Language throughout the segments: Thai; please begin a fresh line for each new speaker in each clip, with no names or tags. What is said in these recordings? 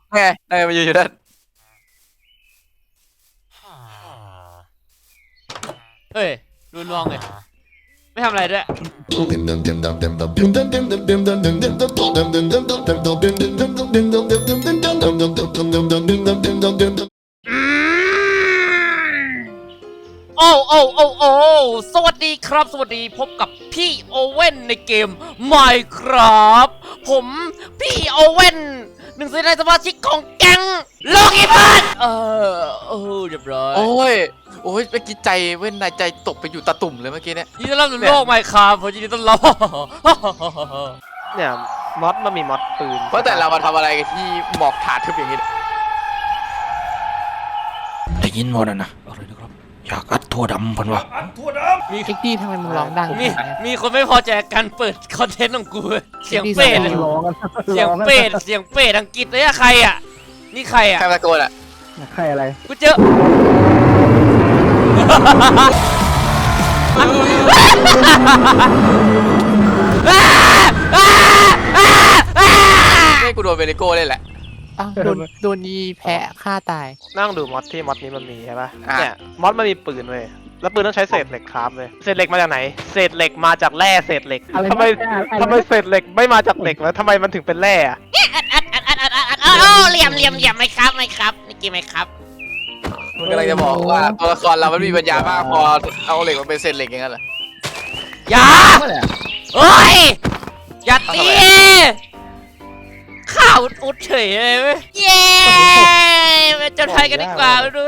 ไงมันอยู่นั่น
เฮ้ยรุนมองเลยไม่ทำอะไรด้วยสวัสดีครับสวัสดีพบกับพี่โอเว่นในเกม Minecraft ผมพี่โอเว่นหนึ่งในสมาชิกของแก๊งโลกิพันเรียบร้อย
โอ้ยเมื่อกี้ใจเว้นในใจตกไปอยู่ตะตุ่มเลยเมื่อกี้เนี่ย
ยินดีต้อนรับสู่โลก Minecraft ผมยินดีต้อนรับ
เนี่ยมันมีมอดปืน
เพราะแต่เรามาทำอะไรกันที่หมอกถาทึบอย่างนี้
ได้ยินหมดนะอะไรนะครับอยากอัดทั่วดำพันวะ
เอ็กดี้ทำไมมึงร้องดัง
มีคนไม่พอใจการเปิดคอนเทนต์ของกูเสียงเป็ดเสียงเป็ดอังกฤษเลยอะใครอะนี่ใครอะ
ใครตะโกนอ่ะ
ใครอะไร
กูเจอ
นี่กูโดนเวนิโก้เลยแหละ
อ้าวโดนยีแพะฆ่าตาย
นั่งดูมอดที่มอดนี้มันมีใช่ปะเนี่ยมอดมันมีปืนเว้ยแล้วปืนต้องใช้เศษเหล็กคราฟเลยเศษเหล็กมาจากไหนเศษเหล็กมาจากแร่เศษเหล็กทำไมเศษเหล็กไม่มาจากเหล็กแล้วทำไมมันถึงเป็นแร่อะ
เหลี่ยมไม่ครับนี่กี่ไม่ครับ
มึงกำลังจะบอกว่าตัวละครเรามันมีปัญญามากพอเอาเหล็กมาเป็นเศษเหล็กอย่างนั้นเหรอ
อย่าเฮ้ยอย่าตีข่าวอุดเฉยเลยเว้ยเย้ไปจนไทยกันดีกว่าดู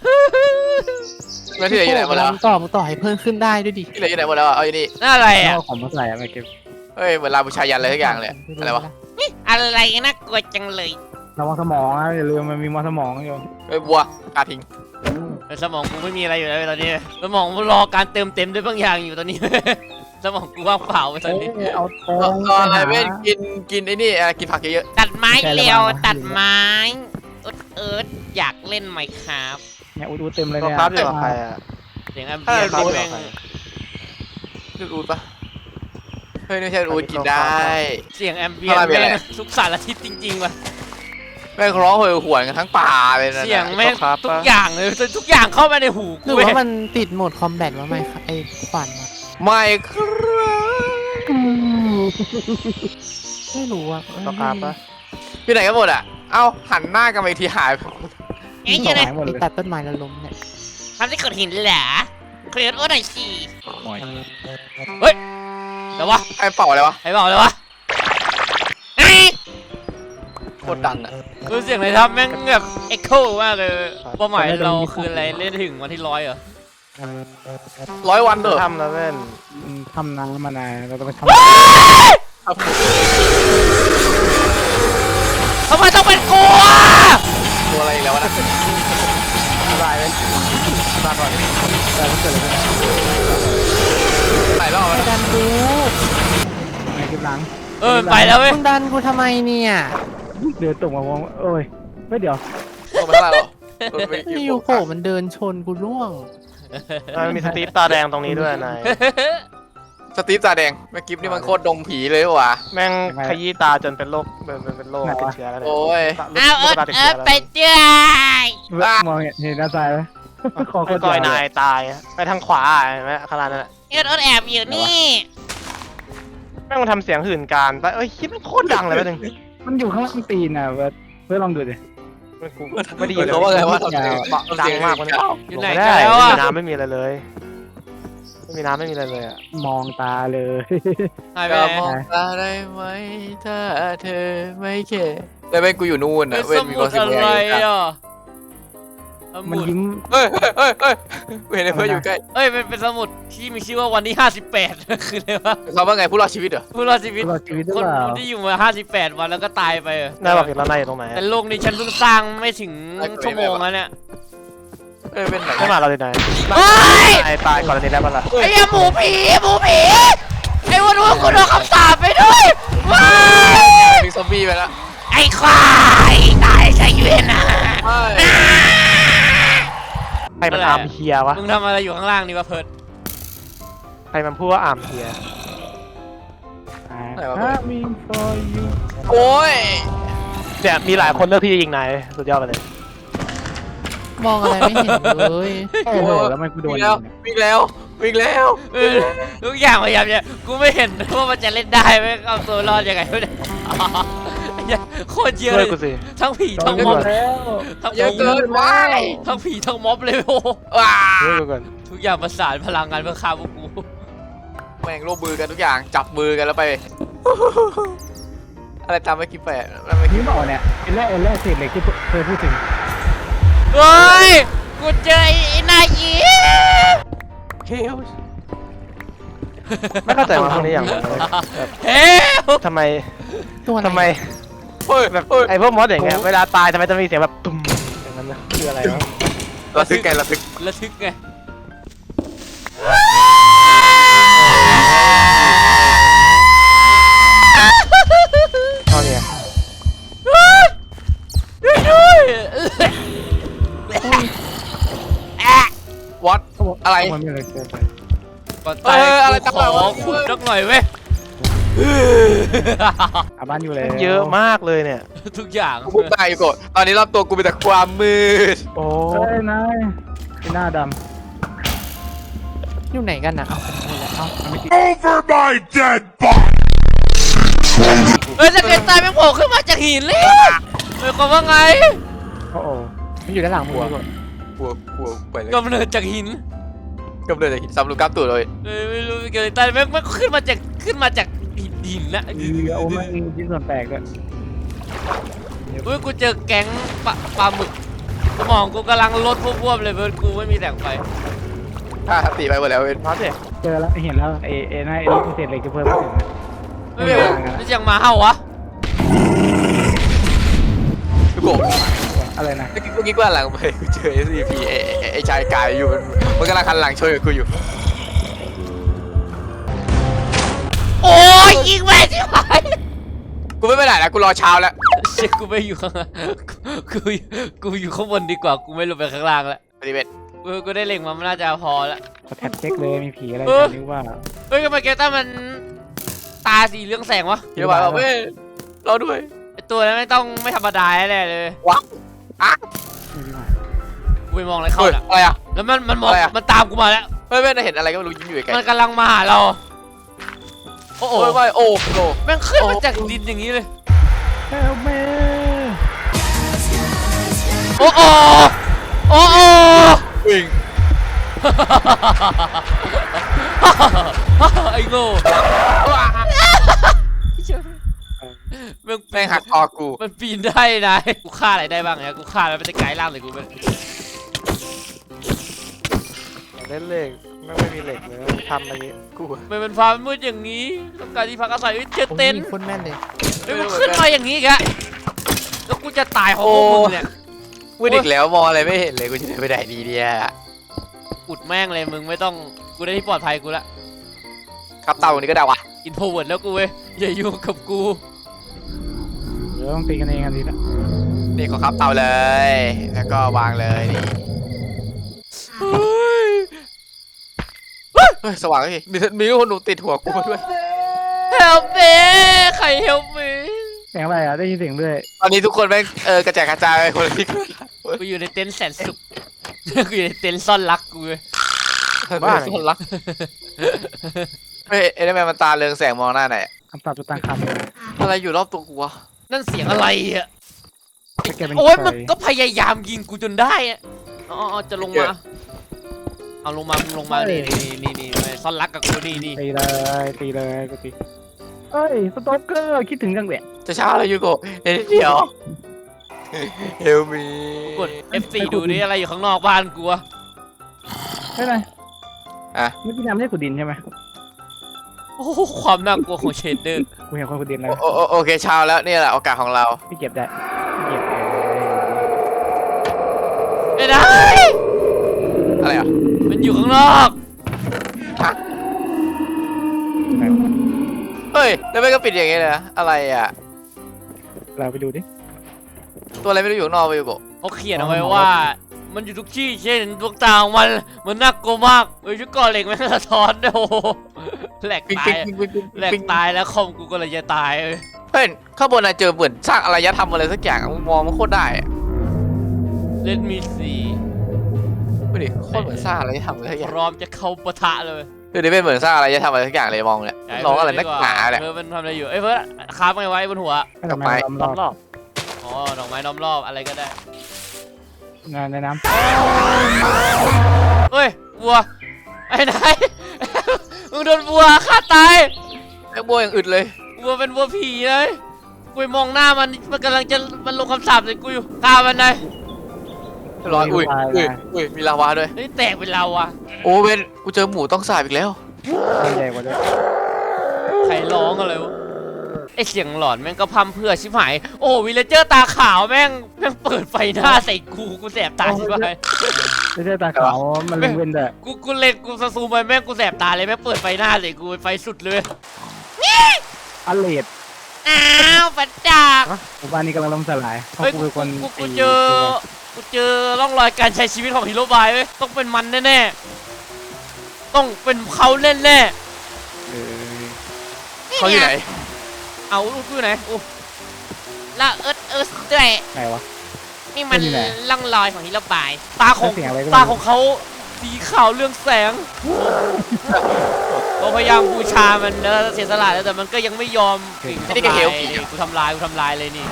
แล้วที่ไหนอยู่ไหนหมดแล้ว
ต่อให้เพิ่มขึ้นได้ด้วยดิ
ที่ไหนอยู่ไหนหมดแล้วเอาอยู่นี่
น่าอะไรอ่ะ
ของมาใส่อะไรเก็บ
เฮ้ยเหมือนลาบูชายันอะไรทุกอย่างเลยอะไรวะ
อะไรน่ากลัวจังเลย
ระวังสมองนะอย่าลืมมันมีมอสมองอยู่
เฮ้ยบัวกาทิ้ง
สมองกูไม่มีอะไรอยู่แล้วตอนนี้สมองรอการเติมเต็มด้วยบางอย่างอยู่ตอนนี้สมองกูว่างเปล่าไปตอนนี้
เอา
ตอนอะไรเว้ยกินไอ้นี่กินผักเยอะ
ตัดไม้เร็วตัดไม้อยากเล่นไหมครับ
เนี่ยอุดเต็มเลยเนี่ย
ครับอยู่กับใครอะ
เสียงแอมเบียนรูดเอง
รูดปะเฮ้ยไม่ใช่รูดกินได้
เสียงแอมเบียนแม่งทุกสารทิศจริงๆว่ะ
แม่งร้องโหยหวนกันทั้งป่าเลยนะ
เสียงแม่งทุกอย่างเลยทุกอย่างเข้ามาในหู
หรือว่ามันติดโหมดคอมแบทวะไหมไอ้ขวัญ
ไม่ครับ
ไม่รู้อ่ะ
ต่อครับปะ
พี่ไหนกันหมดอ่ะเอ้าหันหน้ากันไปทีหาย
ไอ้เจ้า
เนี่ยตัดต้นไม้แล้วล้มเนี่ย
ทำที่ขุดหินเหรอเคลียร์โอ้หน่อยสิเฮ้ยแต่ว่า
ไอ้เป่าอะไรวะโคตรดังอ่ะ
คือเสียงอะไรครับแม่งแบบเอ็กโคมากเลยเป้าหมายเราคืออะไรเล่นถึงวันที่100เหรอ
100 วันเถอะ
ทำแล้วเว้น
ทำน้ำมานานเราต้องไปทำ
ทำไมต้องเป็นกู
ตัวอะไรแล้วนะ
ตายเลยตายก่อน
แต่ก็เกิดอะไร
หลายรอบแล้ว
ดันกูไงคลิปหลัง
ไปแล้วเว้ย
ดันกูทำไมเนี่ยเดินตกมามองโอ้ยไม่เดี๋ยว
ไม่ได้หรอ
นี่ยูโกมันเดินชนกูร่วง
มันมีสตีฟตาแดงตรงนี้ด้วยนาย
สตีฟตาแดงแม่กิฟนี่มันโคตรดงผีเลยว่ะ
แม่งขยี้ตาจนเป็นโรคเป็นโรคติดเชื้อแล้ว
โอ้ย
ไปเจ้ย
มองเห็นหน้าตายไหม
ก้อยนายตายไปทางขวาเห็นไหมขนาดนั้น
แอบอยู่นี่
แม่งมันทำเสียงหื่นการไปคิดมันโคตรดังเลยแป๊บนึง
มันอยู่ข้างล่างตีนอ่ะเพื่อลองดูดิ
ไม่ดีเลย
เขาว่าไงว่า
ดังมากมัน
อยู่ไหนกันแล้วอ่ะ
น้ำไม่มีอะไรเลยไม่มีน้ำไม่มีอะไรเลยอะ
มองตาเลย
จะมองตาได้ไหมถ้าเธอไม่แค่แต่เป็นกูอยู่นู่นนะเว้นมีความสุขอะไร
อ่ะ
มันยิ้ม
เว้นเพื่อนอยู่ใกล้
เป็นสมุดที่มีชื่อว่าวันที่58คืออะไรวะ
เขาว่าไงผู้รอดชีวิตเหรอ
ผู้รอดชีวิตคนที่อยู่มา58วันแล้วก็ตายไป
นายบอกเห็นแล้วนายอยู่ตรงไหน
แต่โลกนี้ฉันเพิ่งสร้างไม่ถึงชั่วโมงแล้วเนี่ย
เป็นไหน
ไม่มาเราเลยนายตายก่อนนี้แล้วมันละ
ไอ้หมูผีไอ้วันกูโดนคำสาปไปด้วยว้าย
มีซอมบี้ไปแล้ว
ไอ้ควายตายใช่ไหมนะ
ใครมันอาร์มเฮียวะ
มึงทำอะไรอยู่ข้างล่างนี่วะเพิร์ด
ใครมันพูดว่าอาร์มเฮีย
โอ้ย
เนี่ยมีหลายคนเลือกที่จะยิงนายสุดยอดไปเลย
มองอะไรไม่เห็นเลย
โอ้โหแล้วมันกูโดน
วิ่งแล้ววิ่งแล้ววิ่งแล้ว
ทุกอย่างพยายามเนี่ยกูไม่เห็นว่ามันจะเล่นได้ไหมเอาตัวรอดยังไงวะเนี่ยโคตรเยอะ
ช่
เล
วย
ย
กูสิ
ทั้งผี
โด
ทั้
น
ง
ไป
ม็
ห
อ
ม
บ
ดแล้ว
ทั้ง
เยอะเกินว้าย
ทั้งผีทั้งม็อบเลยโอ้
ว้า
ช่วยกูก่อน
ทุกอย่างประสานพลังงานเพื่อฆ่าพวกกู
แม่งร่วมมือกันทุกอย่างจับมือกันแล้วไป อะไรตามไม่คิดไปแล้วไม่คิ
นี่
ด
บอกเนี่ยเอลแร่เศษเหล็กที่เคยพูดถึง
เฮ้ยกูเจอไอ้นายยี
เฮล
ไม่เข้าใจว่าพวกนี้อย่างไรแบบ
เฮ้ย
ทำไม
ตัวอะไร
ทำไม
เฮ้ย
แบบ
เฮ้ย
ไอ้พวกมอสอย่างเงี้ยเวลาตายทำไมจะมีเสียงแบบตุ้มอย่างนั้นนะคืออะไรวะ
ระทึกไงระทึก
ระทึกไง
ตอนเนี้ย
ด้วย
วัดอะไร
มันไม่เลยเกินไป
ก่อนตาย
อะไร
กู
ตาม
ข
มา
อ
วะ
ขุดสักหน่อยเว้ย
อาบ้านอยู่เลย
เยอะมากเลยเนี่ย
ทุกอย่าง
กูพูดได้อยู่ก่อนตอนนี้รอบตัวกูมีแต่ความมืด
โอ้
เฮ้ยนายไอ้หน้าด
อยู่ไหนกันนะ
ำเอามันไม่ติด
Over my dead body!
เฮ้ยสเก็ตตายแม่งโผล่ขึ้นมาจากหินเลยหมายความว่าไง
โอ้โหมันอยู่ด้านหลังหัว
กลัวไปเลย
กำเนิดจากหิน
กำเนิดจากหินซ้ำลูกกล้ามตัวเลย
ไม่รู้สเก็ตตายแม่งขึ้นมาจากหินนะ
โอ้มันมีชิ้นส่วนแตกด้วย
เฮ้ยกูเจอแก๊งปลาหมึกสมองกูกำลังลดพวบๆเลยเพื่อนกูไม่มีแสงไฟ
ถ้าตีไปหมดแล้วเว้ย
มอสเนี่ย
เจอแล้วเห็นแล้วไอ้นายไอ้ลูกเศษเหล็กที่เพิ่มมาถึงนะ
ไม่เป็นไม่เสียงหมาเห่าวะ
พี่โก
อะไรนะ
เมื่อกี้กูหันหลังไปกูเจอ SCP ไอ้ชายกายอยู่มันกำลังหันหลังช่วยกูอยู่
โอ้ยยิงแม่ที่ไหน
กูไม่ไปไหนแล้วกูรอเช้าแล้ว
เช็คกูไม่อยู่ข้างล่างกูอยู่ข้างบนดีกว่ากูไม่ลงไปข้างล่างแล้ว
ปฏิบัติ
กูได้เล็งมันน่าจะพอแล้ว
ขอแท็บเช็คเลยมีผีอะไร
เออ
นึกว่า
เฮ้ยทำไมแกต้ามันตาสีเรื่องแสงวะ
เดี๋ยวบอกเว้ยรอด้วย
ไอตัวนั้นไม่ธรรมดาแน่เลย
ว้าวอ่ะ
ไม่รู้ว่า
กูไปมองอะไรเข้า
เฮ้ย
น่ะ
อะไรอ่ะ
แล้วมันมอง
อะไรอะ
มันตามกูมาแล้ว
เฮ้ยเห็นอะไรก็ไม่รู้ยิ้มอยู่ไกล
มันกำลังมาหาเราโอ้โห
โอ้ยโอ้โห
แม่งขึ้นมาจากดินอย่างนี้เลย
เฮลเม
โอ้โหโอ้โห
วิ่ง
ไอ้โง่แม่ง
แม่งหักคอกู
มันปีนได้นะกูฆ่าอะไรได้บ้างเนี่ยกูฆ่าแล้วมันจะกลายร่างเลยกูเป็น
เล่นเหล็กไม่มีเหล็กเลยทำอะไรเงี้ย
กู
มันเป็นฟ้ามืดอย่างนี้ต้องการที่พักอาศัยเฮ้ยเจอเต็นท์
คนแม่นเลย
เฮ้ยมันขึ้นมาอย่างนี้อีกอะแล้วกูจะตายเพราะพวกมึงเนี่ย
มืดอีกแล้วมองอะไรไม่เห็นเลยกูจะไปไหนดีเนี่ย
อุดแม่งเลยมึงไม่ต้องกูได้ที่ปลอดภัยกูละ
ครับเต่านี้ก็ได้วะ
อินโทรเวิร์ดแล้วกูเว้ยอย่ายุ่งกับกู
เดี๋ยวต้องตีกันเองกันทีละ
นี่ขอครับเต่าเลย แล้วก็วางเลยนี่
เฮ้ย
เฮ้ยสว่างเลยมีลูกคนหนูติดหัวกูมาด้วย
help me ใคร help me
เสียงอะไรอ่ะได้ยินเสียงด้วย
ตอนนี้ทุกคนแม่งกระจายกระจายไปคนละที่
กูอยู่ในเต็นท์แสนสุข กูอยู่ในเต็นท์ซ่อนรักกูเว้ย
บ้านคนรักเฮ้ยไอ้นั่นแม่มันตาเรืองแสงมองหน้าไหน
คำตอบจะตั้งคำ
อะไรอยู่รอบตัวกูวะ
นั่นเสียงอะไรอ่ะ
ถ้าแกเป็น
โอ้ย
ใคร
มันก็พยายามยิงกูจนได้อะอ๋อจะลงมา เอาลงมามึงลงมานี่ซ่อนรักกับกูนี่
ตีเลยกูตีเอ้ยสต็อกเกอร์คิดถึงจังเลย
จะเช้าแล้วยูโกะเดี๋ยวเฮลมี
กด F4 ดูดิอะไรอยู่ข้างนอกบ้านกูอะ
ใช่ไหม
อ่ะ
ไม่พี่น้ำไม่ใช่ขุดดินใช่ไหม
โอ้โหความน่ากลัวของเชดเดอร์
กูเห็นคนขุดดินแล้ว
โอเคเช้าแล้วนี่แหละโอกาสของเรา
พี่เก็บได้พี่เก็บ
ไม่ได้
อะไรอ่ะ
มันอยู่ข้างนอก
เฮ้ยแล้วไม่ก็ปิดอย่างงี้เลยนะอะไรอ่ะ
เราไปดูดิ
ตัวอะไรไม่รู้อยู่ข้างนอกไปยูโกะ
เขาเขียนเอาไว้ว่า มันอยู่ทุกที่เช่นดวงตาของมันน่ากลัวมากเฮ้ยชุดก่อเหล็กแม่งสะท้อนด้วยโอ้โหแหลกตายแหลกตายแล้วคอมกูก็เลยจะตายเอ้ย
เฮ้ยข้างบนน่ะเจอเหมือนสร้างอารยธรรมอะไรสักอย่างอะมึงมองมันโคตรได้อะ
Let me see
ดูดิโคตรเหมือนสร้างอารยธรรมอะไรสักอย่าง
พร้อมจะเข้าปะทะเลย
ดูดิเป็นเหมือนสร้างอารยธรรมอะไรสักอย่างเลยมองเนี่ยร้องอะไรนักหนาเนี่ย
เพื่อนมันทำอะไรอยู่เอ้ยเพื่อนคาบไงไว้บนหัว
ดอกไม้
รอบ
รอบ
อ๋อดอกไม้ล้อมรอบอะไรก็ได้
งานในน้
เฮ้ยวัวไอ้ไหน มึงโดนวัวฆ่าตาย
ไอ้บัวอย่างอึดเลย
วัวเป็นวัวผีเลยกูไปมองหน้ามันกำลังจะมันลงคำสาปใส่กูอยู่ฆ่ามันเลย
ร้อนอุ้ยมีลาวาด้วย
เฮ้ยแตกเป็นเราอะ
โอ้เวนกูเจอหมูต้องสาบอีกแล้ว
ำใหญ่กว่าด้วย
ใครร้องอะไรวะไอเสียงหลอนแม่งก็พัมเพื่อชิบหายโอ้วิลเลเจอร์ตาขาวแม่งเปิดไฟหน้าใส่กูแสบตาชิบหาย
ไม่ใช่ตาขาวมันเว้นแต่
กูเล็งกูซูมไปแม่งกูแสบตาเลยแม่งเปิดไฟหน้าใส่กูไฟสุดเลย
อัลเลด
อ้าวปัดจาก
หมู่บ้านนี้กำลังล่มสลายเพราะ
เฮ้ย
กูเป็นคน
กูเจอร่องรอยการใช้ชีวิตของฮีโร่บายเว้ยต้องเป็นมันแน่ๆต้องเป็นเขาแน่
เออ
ๆ
เขาอยู่ไหน
เอาลูกอยู่ไหนโอ้ละเอิร์ธด้วย
ไหนวะ
นี่มัน
อยู่ไหน
ร่องรอยของฮีโร่บายตาของ
เสียงอะไรก็ไม่รู้
ตาของเขาสีขาวเรื่องแสงเราพยายามบูชามันแล้วเสียสละแล้วแต่มันก็ยังไม่ยอมนี่กูทำลายเลยนี่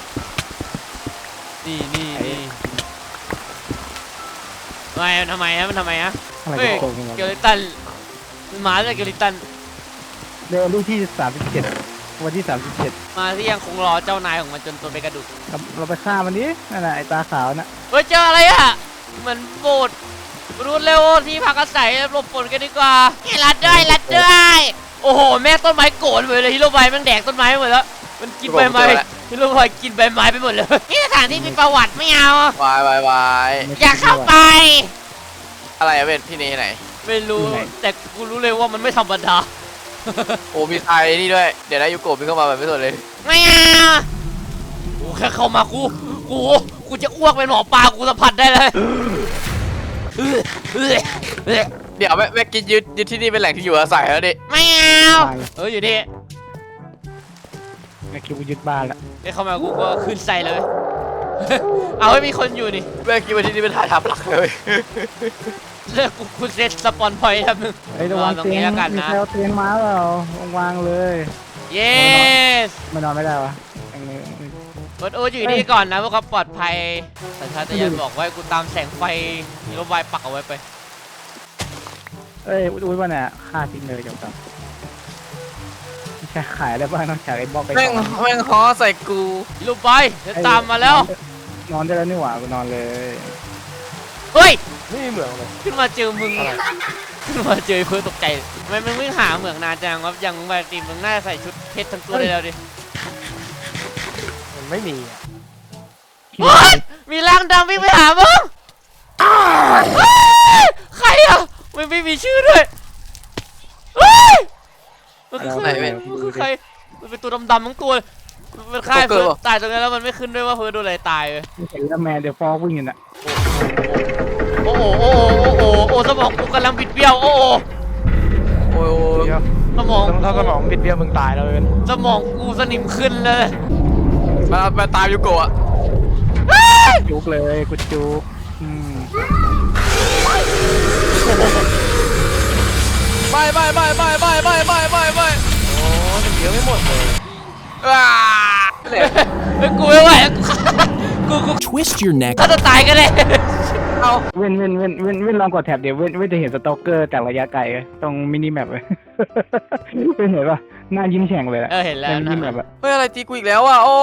ทำไมฮะมันทำไมฮะ
อะไร
เฮ้ย
โกงกัน
เกลิตันหมาเลยเกลิตัน
เดือนที่37วันที่37
มาที่ยังคงรอเจ้านายของมันจนตัวเป็นกระดูก
เราไปฆ่ามันดินั่นแหละไอ้ตาขาวน่ะ
เฮ้ยเจออะไรอ่ะเหมือนโบสถ์รู้เร็วที่พักอาศัยหลบฝนกันดีกว่ารัดด้วยโอ้โหแม่ต้นไม้โกรธเลยฮีโร่บายมันแดกต้นไม้หมดแล้วมันกินใบไม้ฮีโร่บายกินใบไม้ไปหมดเลยนี่สถานที่มีประวัติไม่เอา
วาย
อย่าเข้าไป
อะไรอะเวนที่นี่ไหน
ไม่รู้แต่กูรู้เลยว่ามันไม่ธรรมดา
โอ้มีไทยนี่ด้วยเดี๋ยวนะยูโกะมีเข้ามาแบบไม่สนเลย
ไม่เอากูแค่เข้ามากูจะอ้วกเป็นหมอปลากูสัมผัสได้เลย
เดี๋ยวแม่กินยึดที่นี่เป็นแหล่งที่อยู่อาศัยแล้วดิ
ไม่เอาอยู่ดิ
ไอ้คิวยึดบ้านละ
ไอ้เข้ามากูก็ขึ้นใส่เลย เอาให้มีคนอยู่นี่
แม่กินว่าที่นี่เป็นฐานทัพหลักเลย
เลิกกูเซตสปอนพอยต์ครับนึง
ไอ้ระวัง
ตรง
เตีย
นี้
ง
แล้วกัน
มี
นะ
ใครเอาเตียงมาเปล่าวางเลย
yes
มันนอนไม่ได้วะอันนี้
กดโออยู่นี่ก่อนนะพวกเขาปลอดภัยสัญชาตญาณบอกว่าให้กูตามแสงไฟฮีโร่บายปักเอาไว้ไป
เอ้ยอุ้ยว่าเนี่ยฆ่าทิ้งเลยจบครับไม่ใช่ขายได้บ้างนอกจากไอ้บล็อกไอ้
แม่ง
ของ
แม่งฮ้อใส่กู
ฮีโร่บายจะตามมาแล้ว
นอนได้แล้วนี่หว่ากูนอนเลย
เฮ้ย
ไม่มีเหมืองเลย
ขึ้นมาเจอมึงขึ้นมาเจอเพื่อตกใจทำไมมึงวิ่งหาเหมืองนานจังวะอย่างมึงปกติมึงน่าจะใส่ชุดเพชรทั้งตัวได้แล้วดิ
มันไม่มีอ่ะ
เฮ้ยมีร่างดำวิ่งไปหามึงเฮ้ยใครอ่ะไม่มีชื่อด้วยเฮ้ยมันคือใครมันคือใครมันเป็นตัวดำๆทั้งตัวมันฆ่าเพื่อนตายตรงนั้นแล้วมันไม่ขึ้นด้วยว่าเพื่อนโดนอะไรตายเลย
เห็นแล้วแมนเดี๋ยวฟอกวิ่งอยู่น่ะ
โอ้โหสมองกูกำลังบิดเบี้ยวโอ้โห
โอ้ย
เดี๋ยว
สมอง
ถ้าสมองบิดเบี้ยวมึงตายแล้วเว้ย
สมองกูสนิมขึ้นเลย
มาตามยูโกะ
จุกเลยกูจุก
ไม่
โอ้มันเยอะไม่หมดเลย
ว้า
กูไม่ไหวกู
Twist your neck
ถ้าจะตายก็ได้
เอา
เว้นลองกดแท็บเดี๋ยวเว้นจะเห็นสต็อกเกอร์จากระยะไกลตรงมินิแมปเลยเว้นเห็นปะหน้ายิ้มแฉ่งเลยอะ
เห็นแล้ว
มินิแมปอะ
เฮ้ยอะไรตีกูอีกแล้วอ่ะโอ้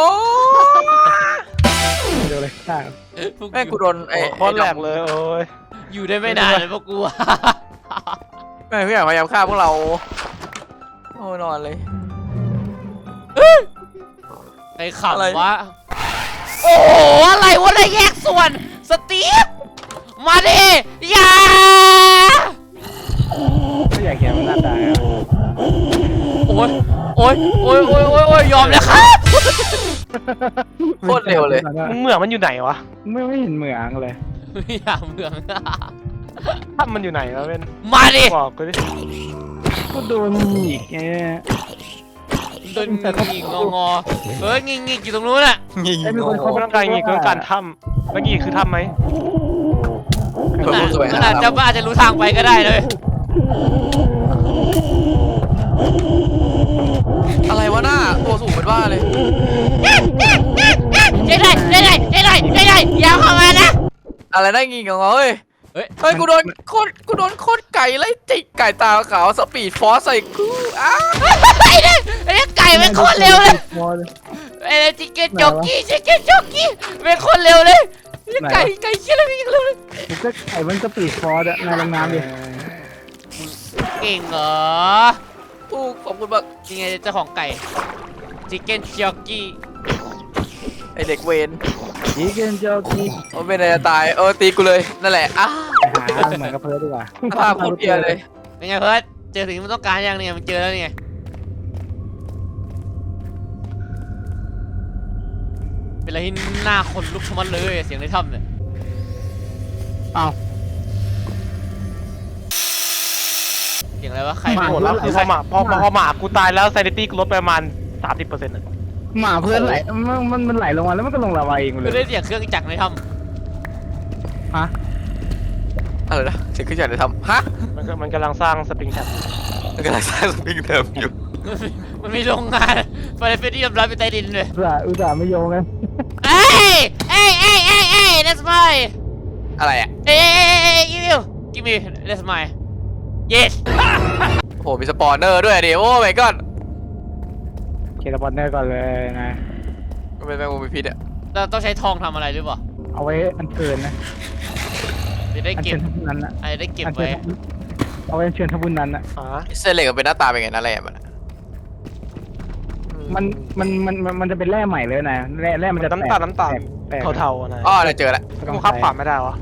เดี๋ยวเลยฆ่า
แม่กูโดนไอ้
โคตรแหลกเลยโอ้ย
อยู่ได้ไม่นานเลยพวกกู
แม่พี่อยากพยายามฆ่าพวกเราโอ้นอนเลย
ไอ้ขับวะโอ้โหอะไรวะเลยแยกส่วนสตีฟมาดิอย่า
ไม่อยากเห็นมันหน้าตา
โอ้ยยอมแล้วครับ
โคตรเร็วเลย
มึงเหมืองมันอยู่ไหนวะ
ไม่เห็นเหมืองเลย
ไม่อยากเมือง
ถ้ำมันอยู่ไหนวะเว้น
มาดิ
บอกกูดิ
ก็โดนอีกไง
โดนงิงงอเฮ้ยงิงอยู่ตรงนู้นน่ะ
ยิง
ไอ้มีคน
เขาต้องการงี้คือต้องการถ้ำแล้วงี้คือถ้ำไหม
ตัวสวย
มันอาจจะรู้ทางไปก็ได้เลย
อะไรวะหน้าตัวสูงเป็นว่าเลย
ได้อย่าเข้ามานะ
อะไรนั่งยิงของเฮ้ย
เฮ้ย
เฮ้ยกูโดนโคตรไก่ไล่จิกไก่ตาขาวสปีดฟอสใส่กูอ้า
ไอ้เนี่ยไก่เป็นคนเร็วเลยไอ้จิเกนจ็อกกี้เป็นคนเร็วเลยไก่เชี่ยเลยเร็วเลย
มันก็ไอ้มันสปีดฟอร์ดอะนายลงน้ำดิ
เก่งเหรอ
ถูกขอบคุณมาก
ยังไงเจ้าของไก่จิเกนจ็อกกี้
ไอเด็กเวน
ยิงกันเจ้าที่
มันเป็นอะไรจะตายตีกูเลยนั่นแหละอ้า
ไปหาเหมือนกับเพิร์ดดีกว่า
ภาพโคตรเพียเลย
เป็นไงเพิร์ดเจอสิ่งที่มันต้องการยังเนี่ยมันเจอแล้วนี่ไงเป็นอะไรที่หน้าขนลุกชะมัดเลยเสียงในถ้ำเนี่ย
อ้าว
เสียงอะไรวะใคร
โหดแล้วคือพอหมากูตายแล้วซนิตี้กูลดไปประมาณ 30%นะ
หมาเพื่อนไหลมันไหลลงมาแล้วมันก็ลงลาวาเองเล
คือย ได้เสียงเครื่องจักรในถ้
ฮะ
อะไรนะเสียงขึ้นจากไหนทำฮะ
มันกำลังสร้างสปริงแท็บ
มันกำลังสร้างสปริงเดิมอยู่
ำมันมีโรงงานไฟเฟสที่ยอมรับเป็นใต้ดินเลย
อุตส่าห์ไม่โยงกัน
เอ้ย that's my
อะไรอ่ะ
give me that's my yes
โหมีสปอนเนอร์ด้วยดิโอ้ my god
เคสปอนเนอร์ก่อนเลยนะ
มันเป็นแมงมุมมีพิษอ่ะ
เราต้องใช้ทองทำอะไรหรือเปล่า
เอาไว้อันเชิญนะ
จะได้
อัน
เก็
เชิ
บ
ญทับุญนั้นนะ
อะไรได้เก็บไว้
เอาไว้เชิญทับุญนั้นนะ
เส้นเหล็กมันเป็นหน้าตาเป็นไงนะแร่มัน
มันจะเป็นแร่ใหม่เลยนะแร่มันจะ
น้ำตาล
แตก
เทาๆนะ
อ๋อได้เจอแล้ว
กูขับผ่านไม่ได้วะ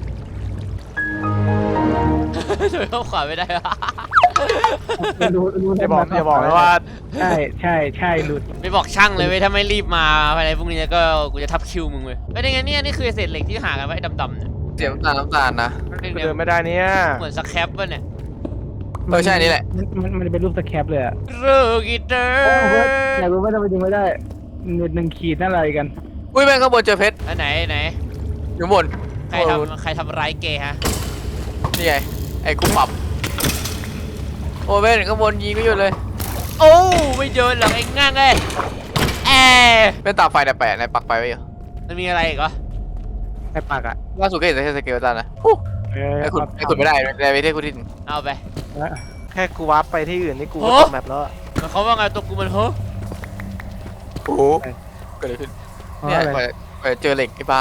ช่วยเข้าขวาไม่ได้วะ
รู้
อย่าบอกนะว่า
ใช่หลุด
ไม่บอกช่างเลยเว้ยถ้าไม่รีบมาภายในพรุ่งนี้ก็กูจะทับคิวมึงเว้ยเป็นยังไงเนี่ยนี่คือเศษเหล็กที่หากันไว้ดำๆเนี่ย
เสียน้ำตาลนะ
เดินไม่ได้เนี่ย
เหมือนสแครปป่ะเนี่ย
ใช่นี่แหละ
มันจะเป็นรูปสแครปเลยอะ
เรื่องกีเตอร์
อยากรู้ว่าทำไมดึงไม่ได้หนึ่งขีดนั่นอะไรกัน
อุ้ยแม่งข้างบนเจอเพชร
อันไหน
อยู่บน
ใครทำร้ายเกย์ฮะ
นี่ไงไอ้กูปรับโอ้แม่งข้างบนยิงก็อยู่เลย
โอ้ไม่เดินหรอกเองง่างเลยแอ
เป็นตาไฟแต่แปะในปักไปไว้อยู่
มันมีอะไรอีกเหรอ
ไอ้ปากอะ
ล่าสุดก็เห็นแต่สเกลตันนะไอ้ขุดไม่ได้ในประเทศกูที่
เอาไป
แค่กูวาร์ปไปที่อื่นนี่กูก็ตกแมปแล้ว
มันเขาว่าไงตัวกูมันเฮ้อ
โอ้โหเกิดอะไรขึ้นเนี่ยไปเจอเหล็กไอ้บ้า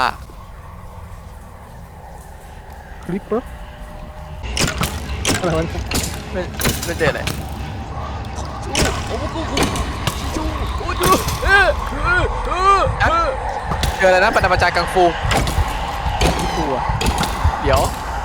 คลิปปุ๊บอะไรวะ
ไม่เจออะไร
โอ้กูชูโอ้ดู
เจออะไรนะปฐมจารย์กังฟู
ที่ตัว
เดี๋ยว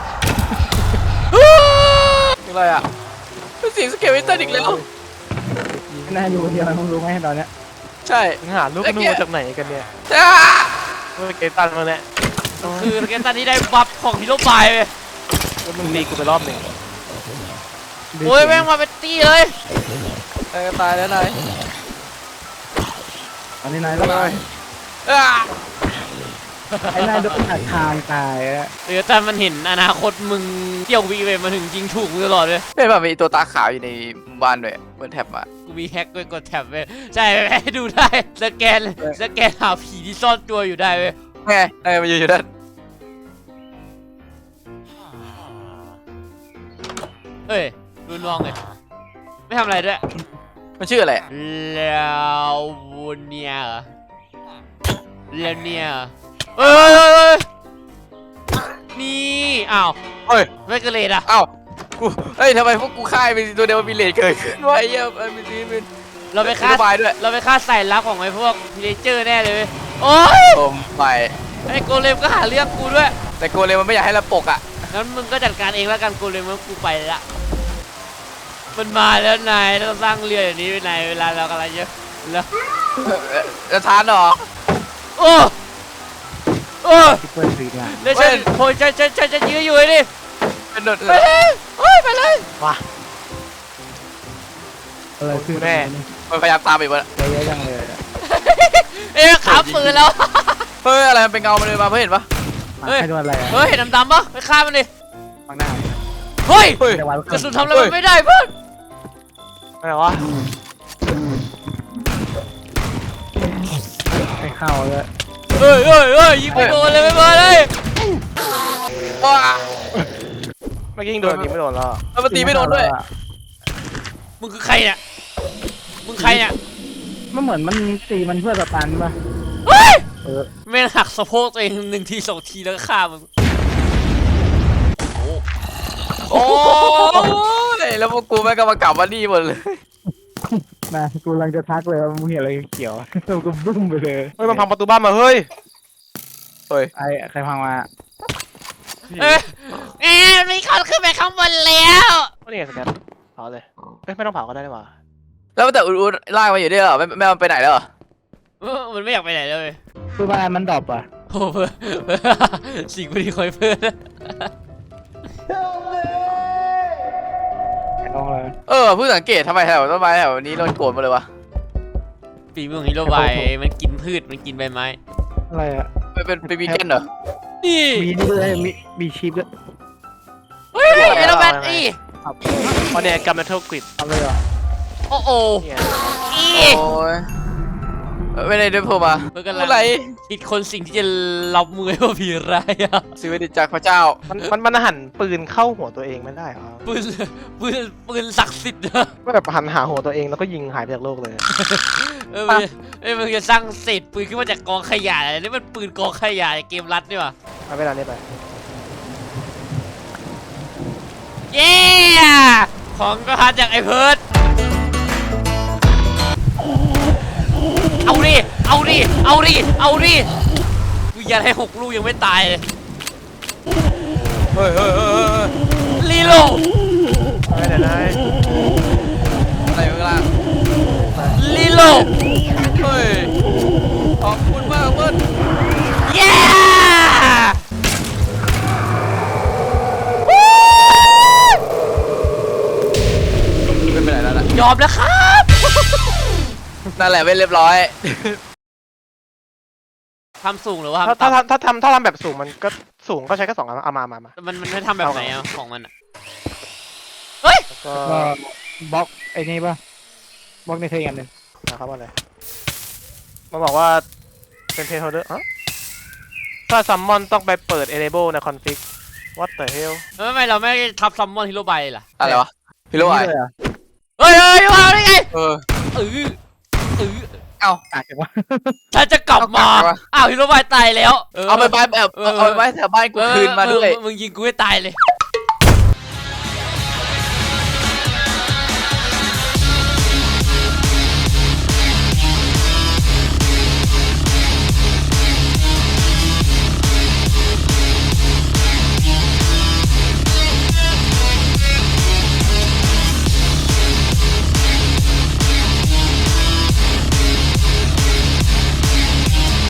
อะไรอ่ะเป็นเสียงสเกลตันอีกแล้ว
น่าอยู่คนเดียวมึงรู้ไหมตอนเนี้ย
ใช่
มึงหาลูกนูจากไหนกันเนี่ย
จ้า
เกตันมาเนี่ย
คือสเกตตันที่ได้บัฟของฮีโร่บายไป
มึงรีกูไปรอบหนึ่ง
โอ้ยแม่งมาเป็นตี้เลย
ตายแล้วนาย
อันนี้นายแล้วไอ้นายโดนหักทางตายอะ
เดี๋ยวแต่มันเห็นอนาคตมึงเที่ยววีเวมาถึงยิงถูกมึงตลอดเลย
เป็นแบบมีตัวตาขาวอยู่ในบ้านด้วยเปิดแท็บมา
กูมีแฮกด้วยกดแท็บเว้ยใช่ให้ดูได้สแกนหาผีที่ซ่อนตัวอยู่ได้เว้ย
ไงนายมาอยู่ด้าน
เฮ้ยรุนมองเลยไม่ทำอะไรด้วย
มันชื่ออะไร
แล้วเนี่ยแล้วเนี่ยนี่อ้าว
เฮ้ย
ไม่เกระเลดอ่ะ
เอ้ากูเฮ้ยทำไมพวกกูค่ายเป็นตัวเดียวมีเลทเกิดขึ้นวะไอ้เหี้ยมันมีเป็น
เราไปฆ่า
บายด้วย
เราไปฆ่าใส่ลับของไอ้พวกพีเรเจอร์แน่เลยเว้ยโอ้ย
โอมไป
ไอ้โกเลมก็หาเรื่องกูด้วย
แต่โกเลมมันไม่อยากให้เราปกอ่ะ
งั้นมึงก็จัดการเองแล้วกันโกเลมว่ากูไปละมันมาแล้วนายต้องสร้างเรืออย่างนี้ไว้นายเวลาเรากำลังเยอะแล้ว
จะทานหรอ
โอ้โอ้
ที่เปิดสีงาน
แล้วฉันโอ้ยฉันจะยื้ออยู่ไอ้นี่
เป็นโดด
ไปเลยโอ้ยไปเลย
มา
อะไรคือ
แน่
มันพยายามตามไปวะ
เยอะจังเลย
เอ๊ะขาปืนแล้ว
เฮ้ยอะไรมันเป็นเงามันเลยมาเพื่อนเห็นปะ
เฮ้ย
ให้โดนอะไร
เฮ้ยเห็นดำๆปะไปฆ่ามันดิ
ข้างหน้า
เฮ้ย
เฮ้ย
จะวาง
กระสุนทำอะไรมันไม่ได้เพื่อน
อะไรวะ
ไม่เข้าเลย
เฮ้ยเฮ้ยเฮ้ยยิงไม่โดนเลยไม่มาเลย
ว้า
เมื่อกี้ยิงโดนยิงไม่โดนแล้ว
มันตีไม่โดนด้วย
มึงคือใครเนี่ยมึงใครเนี่ย
มันเหมือนมันตีมันเพื่อสตันป่ะ
เฮ้ย
เออ
แม่งหักสะโพกตัวเอง1 ที 2 ทีแล้วก็ฆ่ามึง
โอ้ยแล้วพวกกูแม่งก็มากลับมานี่หมดเลย
นะกูกำลังจะทักเลยว่ามึงเห็นอะไรเขียวแล้วกูบึ้มไปเลย
เฮ้ยมันพังประตูบ้านมาเฮ้ย
ไอ้ใครพังมา
เอ๊ะมีคนขึ้นไปข้างบนแล้ว
ก็นี่ไงสแกนเผาเลยเอ้ยไม่ต้องเผาก็ได้นี่หว่า
แล้วแต่อุดลากมาอยู่ด้วยเหรอไม่มันไปไหนแล้วเหรอ
มันไม่อยากไปไหนเลย
คือบ้านมันดรอปอ่ะ
โอ้เพื่อสิ่งไม่ดีคอยเพื่อน
ลองเลย
เพิ่งสังเกตทำไมแถวต้นไม้แถวนี้โดนโกรธมาเลยวะ
ปีมือของฮิโรบายมันกินพืชมันกินใบไม้
อะไรอ่ะ
เป็นวีแกนเหรอ
นี่
มีนี่ด้วยมีชีพด้วย
เฮ้ยไอ้ระเบิดอี
ครับ
เพราะเนี่ยกัมเมทัลกริด
ทำเลยเหรอ
โอ้โห
เนี่ย
อี
โอ้ยไม่ได้ด้วยพวกมา
มันกำลั
อะ
ง
ไร
คิดคนสิ่งที่จะรับมือให้ว่าผีร้ายอะ
ซื้อดิจากพระเจ้า
มันหันปืนเข้าหัวตัวเองไม่ได้เหรอ
ปืนศักดิ์สิทธิ์นะ
ก็แบบหันหาหัวตัวเองแล้วก็ยิงหายไปจากโลกเลย
มันจะสร้างเศษปืนขึ้นมาจากกองขยะอะไรนี่มันปืนกองขยะในเกมรัดนี่หว่า
เอาเวลานี้ไป
เย้ของก็หาจากไอ้เพิร์ดเอาดิ เอาดิ เอาดิ เอาดิกูยันให้6 ลูกยังไม่ตายเลย
เฮ้ย
รีโหลด
ไม่ได้เลย
อะไรข้างล่าง
รีโหลด
เฮ้ยขอบคุณมากเพื่อน
เย้
เป็นไปไหนแล้วล่ะ
ยอมแล้วครับ
นั่นแหละไม่เรียบร้อย
ทำสูงหรือว่า
ถ้า
ทำต่ำ
ถ้าทำแบบสูงมันก็สูงก็ใช้แค่2 อันเอามา
มันไม่ทำแบบไหนอะของมันอะ
แล้วก็
ก็บล็อกไอ้นี่ป่ะบล็อกในเทกันหนึ่ง
นะครับว่าอะไรมันบอกว่าเป็นเพย์โฮเดอร์ถ้าซัมมอนต้องไปเปิด enable ใน config what the hell
ไม่เราไม่ทับซัมมอนฮิโรบายล่ะ
อะไรวะพี่รู้ไหม
นี่เลยเหรอ
เฮ้ยมาได้ไง
เออ
เออ
เอ้า
อาจจะว่า
ฉันจะกลับมา
เอากลับวะ
อ้าวฮิโรบายตายแล้ว
เอาไปบ้านแบบเอาไปบ้านแถวบ้านกูคืนมาด้วย
มึงยิงกูให้ตายเลย